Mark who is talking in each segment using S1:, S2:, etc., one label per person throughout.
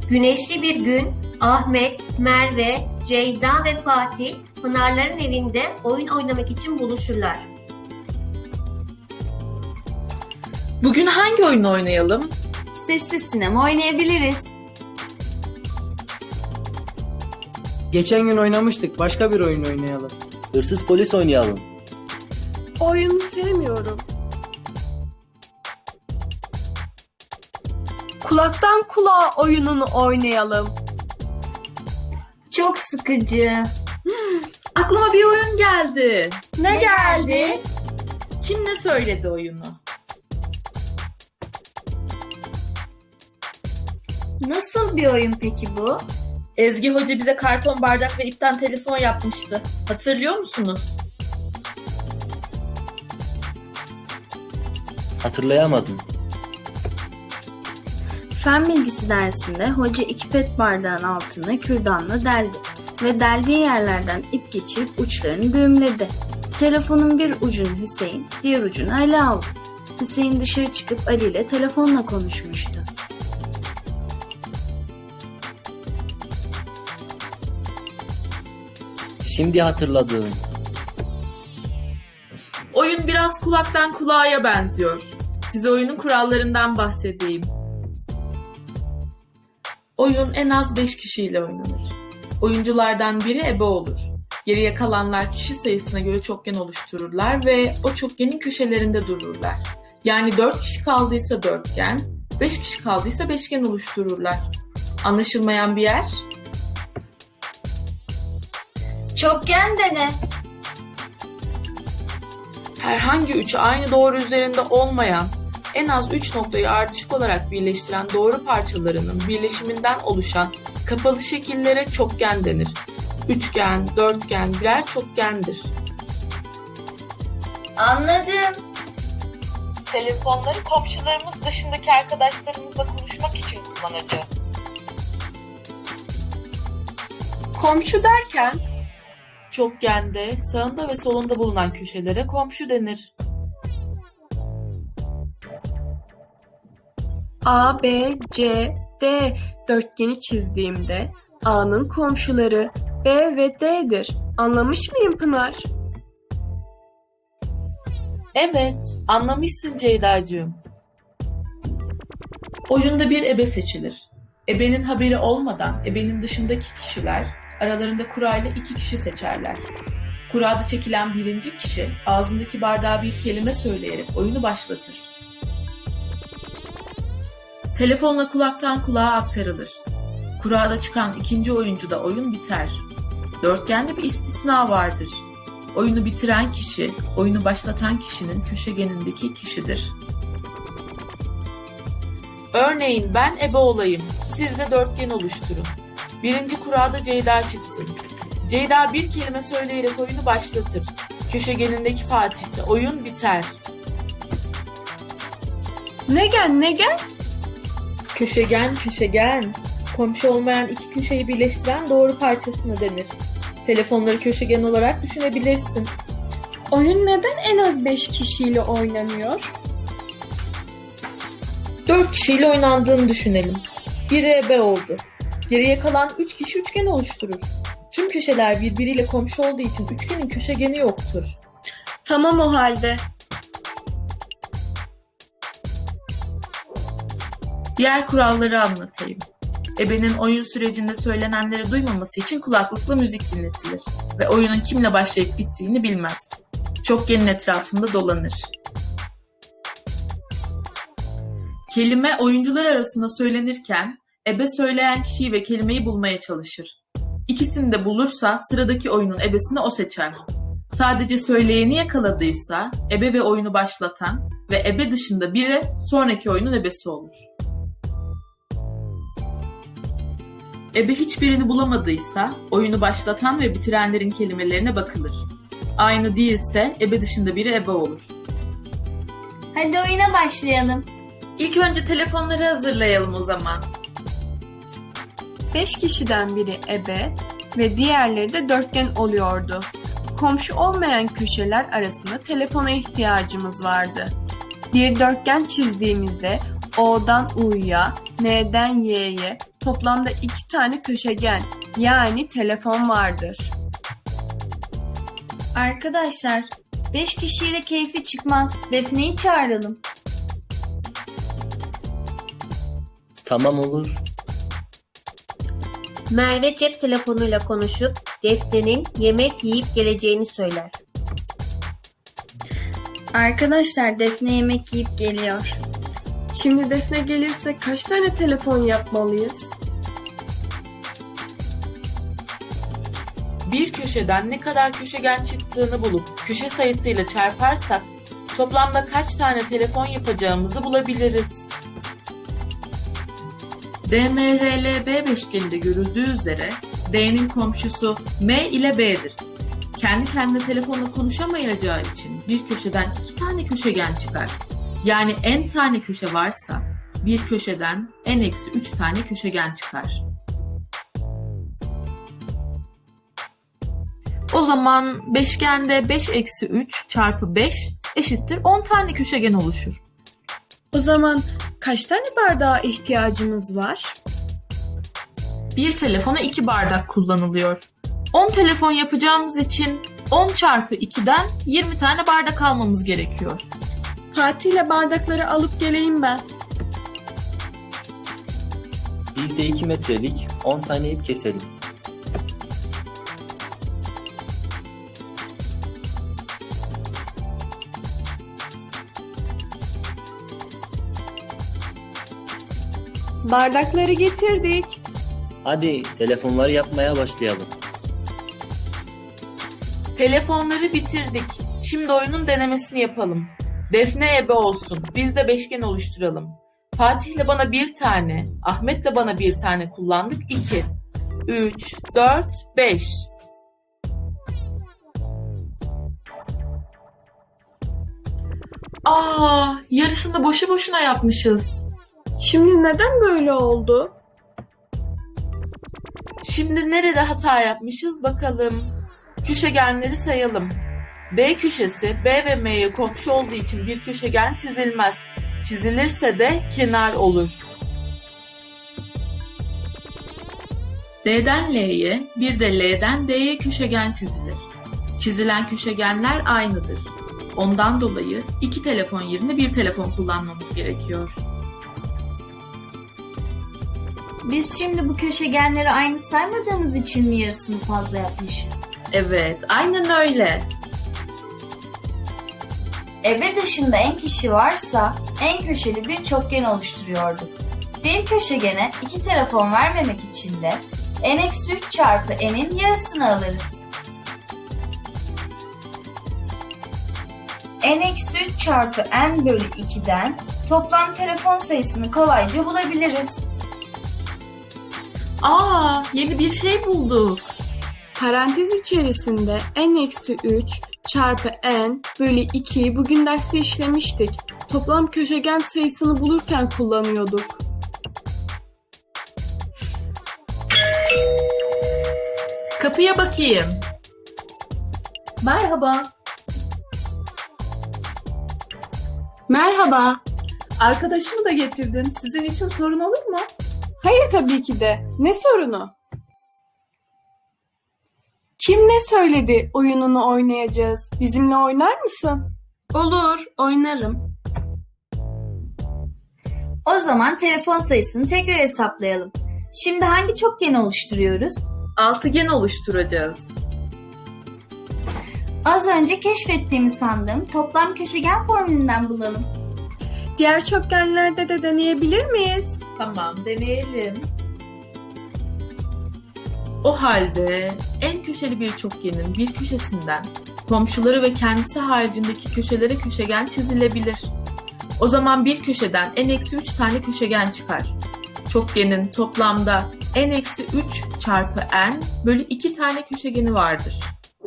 S1: Güneşli bir gün Ahmet, Merve, Ceyda ve Fatih Pınarların evinde oyun oynamak için buluşurlar.
S2: Bugün hangi oyunu oynayalım?
S3: Sessiz sinema oynayabiliriz.
S4: Geçen gün oynamıştık. Başka bir oyun oynayalım.
S5: Hırsız polis oynayalım.
S6: Oyunu sevmiyorum. Kulaktan kulağa oyununu oynayalım.
S3: Çok sıkıcı.
S2: Aklıma bir oyun geldi.
S3: Ne geldi?
S2: Kim ne söyledi oyunu?
S3: Nasıl bir oyun peki bu?
S2: Ezgi Hoca bize karton bardak ve ipten telefon yapmıştı. Hatırlıyor musunuz?
S5: Hatırlayamadım.
S3: Fen bilgisi dersinde hoca 2 pet bardağın altını kürdanla deldi ve deldiği yerlerden ip geçirip uçlarını düğümledi. Telefonun bir ucunu Hüseyin, diğer ucunu Ali aldı. Hüseyin dışarı çıkıp Ali ile telefonla konuşmuştu.
S5: Şimdi hatırladım.
S2: Oyun biraz kulaktan kulağa benziyor. Size oyunun kurallarından bahsedeyim. Oyun en az 5 kişiyle oynanır. Oyunculardan biri ebe olur. Geriye kalanlar kişi sayısına göre çokgen oluştururlar ve o çokgenin köşelerinde dururlar. Yani 4 kişi kaldıysa dörtgen, 5 kişi kaldıysa beşgen oluştururlar. Anlaşılmayan bir yer?
S3: Çokgen de ne?
S2: Herhangi üçü aynı doğru üzerinde olmayan, en az 3 noktayı ardışık olarak birleştiren doğru parçalarının birleşiminden oluşan kapalı şekillere çokgen denir. Üçgen, dörtgen birer çokgendir.
S3: Anladım.
S2: Telefonları komşularımız dışındaki arkadaşlarımızla konuşmak için kullanacağız.
S6: Komşu derken
S2: Çokgende sağında ve solunda bulunan köşelere komşu denir.
S6: A, B, C, D dörtgeni çizdiğimde A'nın komşuları B ve D'dir. Anlamış mıyım Pınar?
S2: Evet, anlamışsın Ceyda'cığım. Oyunda bir ebe seçilir. Ebenin haberi olmadan ebenin dışındaki kişiler aralarında kurayla 2 kişi seçerler. Kurada çekilen birinci kişi ağzındaki bardağa bir kelime söyleyerek oyunu başlatır. Telefonla kulaktan kulağa aktarılır. Kurada çıkan ikinci oyuncuda oyun biter. Dörtgende bir istisna vardır. Oyunu bitiren kişi, oyunu başlatan kişinin köşegenindeki kişidir. Örneğin ben ebe olayım, siz de dörtgen oluşturun. Birinci kurada Ceyda çıksın. Ceyda bir kelime söyleyerek oyunu başlatır. Köşegenindeki Fatih'te oyun biter.
S6: Ne gel?
S2: Köşegen. Komşu olmayan iki köşeyi birleştiren doğru parçasına denir. Telefonları köşegen olarak düşünebilirsin.
S6: Oyun neden en az 5 kişiyle oynanıyor?
S2: 4 kişiyle oynandığını düşünelim. Biri ebe oldu. Geriye kalan 3 kişi üçgen oluşturur. Tüm köşeler birbiriyle komşu olduğu için üçgenin köşegeni yoktur.
S6: Tamam o halde.
S2: Diğer kuralları anlatayım. Ebenin oyun sürecinde söylenenleri duymaması için kulaklıkla müzik dinletilir ve oyunun kimle başlayıp bittiğini bilmez. Çokgenin etrafında dolanır. Kelime oyuncular arasında söylenirken ebe söyleyen kişiyi ve kelimeyi bulmaya çalışır. İkisini de bulursa sıradaki oyunun ebesini o seçer. Sadece söyleyeni yakaladıysa ebe ve oyunu başlatan ve ebe dışında biri sonraki oyunun ebesi olur. Ebe hiçbirini bulamadıysa oyunu başlatan ve bitirenlerin kelimelerine bakılır. Aynı değilse ebe dışında biri ebe olur.
S3: Hadi oyuna başlayalım.
S2: İlk önce telefonları hazırlayalım o zaman.
S6: 5 kişiden biri ebe ve diğerleri de dörtgen oluyordu. Komşu olmayan köşeler arasında telefona ihtiyacımız vardı. Bir dörtgen çizdiğimizde O'dan U'ya, N'den Y'ye toplamda 2 tane köşegen yani telefon vardır.
S3: Arkadaşlar 5 kişiyle keyfi çıkmaz. Defne'yi çağıralım.
S5: Tamam olur.
S1: Merve cep telefonuyla konuşup Defne'nin yemek yiyip geleceğini söyler.
S3: Arkadaşlar Defne yemek yiyip geliyor.
S6: Şimdi Defne gelirse kaç tane telefon yapmalıyız?
S2: Bir köşeden ne kadar köşegen çıktığını bulup köşe sayısıyla çarparsak toplamda kaç tane telefon yapacağımızı bulabiliriz. DMRLB beşgeninde görüldüğü üzere D'nin komşusu M ile B'dir. Kendi kendine telefonla konuşamayacağı için bir köşeden 2 tane köşegen çıkar. Yani n tane köşe varsa bir köşeden n-3 tane köşegen çıkar. O zaman beşgende 5-3 çarpı 5 eşittir 10 tane köşegen oluşur.
S6: O zaman kaç tane bardağa ihtiyacımız var?
S2: Bir telefona 2 bardak kullanılıyor. 10 telefon yapacağımız için 10 çarpı 2'den 20 tane bardak almamız gerekiyor.
S6: Fatih ile bardakları alıp geleyim ben.
S5: Biz de 2 metrelik 10 tane ip keselim.
S6: Bardakları getirdik.
S5: Hadi telefonları yapmaya başlayalım.
S2: Telefonları bitirdik. Şimdi oyunun denemesini yapalım. Defne ebe olsun. Biz de beşgen oluşturalım. Fatih'le bana 1 tane, Ahmet'le bana 1 tane kullandık. 2, 3, 4, 5. Yarısını boşu boşuna yapmışız.
S6: Şimdi neden böyle oldu?
S2: Şimdi nerede hata yapmışız bakalım. Köşegenleri sayalım. D köşesi B ve M'ye komşu olduğu için bir köşegen çizilmez. Çizilirse de kenar olur. D'den L'ye, bir de L'den D'ye köşegen çizilir. Çizilen köşegenler aynıdır. Ondan dolayı 2 telefon yerine 1 telefon kullanmamız gerekiyor.
S3: Biz şimdi bu köşegenleri aynı saymadığımız için mi yarısını fazla yapmışız?
S2: Evet, aynen öyle.
S3: Ebe dışında en kişi varsa en köşeli bir çokgen oluşturuyorduk. Bir köşegene 2 telefon vermemek için de n-3 çarpı n'in yarısını alırız. n-3 çarpı n bölü 2'den toplam telefon sayısını kolayca bulabiliriz.
S2: Yeni bir şey bulduk.
S6: Parantez içerisinde n-3 çarpı n bölü 2'yi bugün derste işlemiştik. Toplam köşegen sayısını bulurken kullanıyorduk.
S2: Kapıya bakayım. Merhaba.
S6: Merhaba.
S2: Arkadaşımı da getirdim. Sizin için sorun olur mu?
S6: Hayır tabii ki de. Ne sorunu? Kim ne söyledi oyununu oynayacağız? Bizimle oynar mısın?
S3: Olur, oynarım. O zaman telefon sayısını tekrar hesaplayalım. Şimdi hangi çokgen oluşturuyoruz?
S2: Altıgen oluşturacağız.
S3: Az önce keşfettiğimi sandığım toplam köşegen formülünden bulalım.
S6: Diğer çokgenlerde de deneyebilir miyiz?
S2: Tamam, deneyelim. O halde en köşeli bir çokgenin bir köşesinden komşuları ve kendisi haricindeki köşelere köşegen çizilebilir. O zaman bir köşeden n-3 tane köşegen çıkar. Çokgenin toplamda n-3 çarpı n bölü 2 tane köşegeni vardır.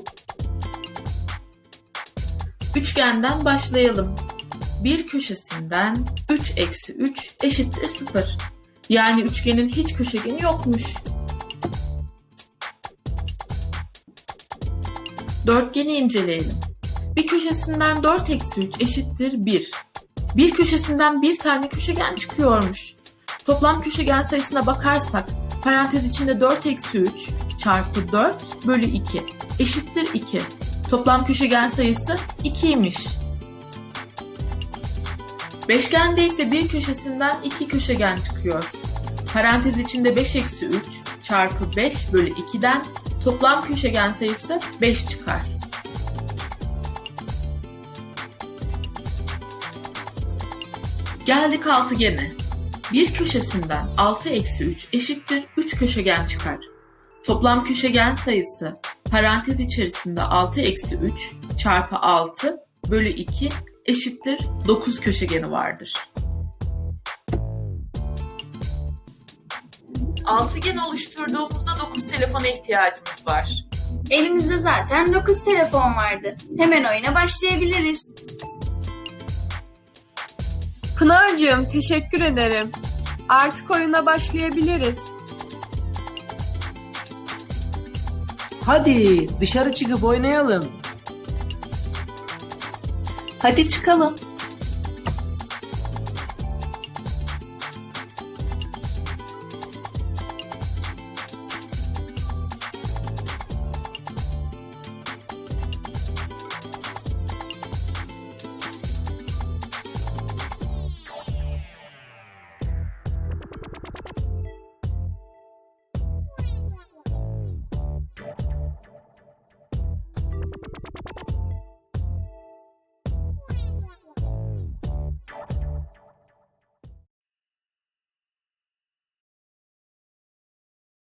S2: Üçgenden başlayalım. Bir köşesinden 3-3 eşittir 0. Yani üçgenin hiç köşegeni yokmuş. Dörtgeni inceleyelim. Bir köşesinden 4-3 eşittir 1. Bir köşesinden bir tane köşegen çıkıyormuş. Toplam köşegen sayısına bakarsak parantez içinde 4 eksi 3 çarpı 4 bölü 2 eşittir 2. Toplam köşegen sayısı 2'ymiş. Beşgende ise bir köşesinden 2 köşegen çıkıyor. Parantez içinde 5 eksi 3 çarpı 5 bölü 2'den toplam köşegen sayısı 5 çıkar. Geldik altıgene. Bir köşesinden 6 eksi 3 eşittir 3 köşegen çıkar. Toplam köşegen sayısı parantez içerisinde 6 eksi 3 çarpı 6 bölü 2 eşittir 9 köşegeni vardır. Altıgen oluşturduğumuzda 9 telefona ihtiyacımız var.
S3: Elimizde zaten 9 telefon vardı. Hemen oyuna başlayabiliriz.
S6: Pınar'cığım teşekkür ederim. Artık oyuna başlayabiliriz.
S4: Hadi dışarı çıkıp oynayalım.
S2: Hadi çıkalım.